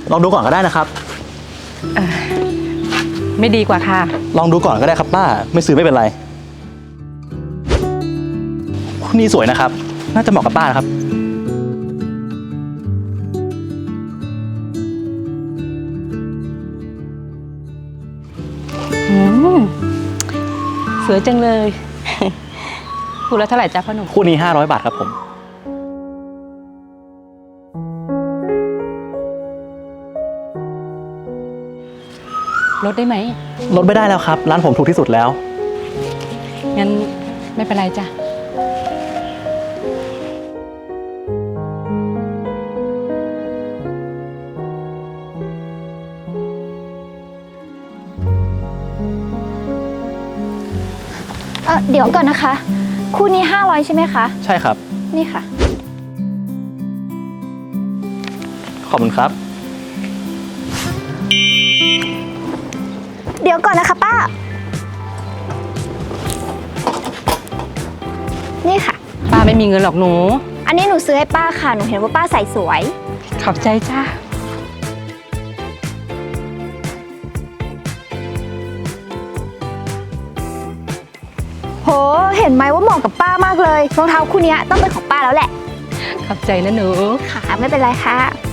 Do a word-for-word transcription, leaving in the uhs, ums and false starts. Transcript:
ลองดูก่อนก็ได้นะครับไม่ดีกว่าค่ะลองดูก่อนก็ได้ครับป้าไม่ซื้อไม่เป็นไรคู่นี้สวยนะครับน่าจะเหมาะกับป้านะครับอืมสวยจังเลยคู่ละเท่าไหร่จ๊ะพ่อหนุ่มคู่นี้ห้าร้อยบาทครับผมลดได้ไหมลดไม่ได้แล้วครับร้านผมถูกที่สุดแล้วงั้นไม่เป็นไรจ้ะเออเดี๋ยวก่อนนะคะคู่นี้ห้าร้อยใช่ไหมคะใช่ครับนี่ค่ะขอบคุณครับเดี๋ยวก่อนนะคะป้านี่ค่ะป้าไม่มีเงินหรอกหนูอันนี้หนูซื้อให้ป้าค่ะหนูเห็นว่าป้าใส่สวยขอบใจจ้าโหเห็นไหมว่าเหมาะกับป้ามากเลยรองเท้าคู่นี้ต้องเป็นของป้าแล้วแหละขอบใจนะหนูค่ะไม่เป็นไรค่ะ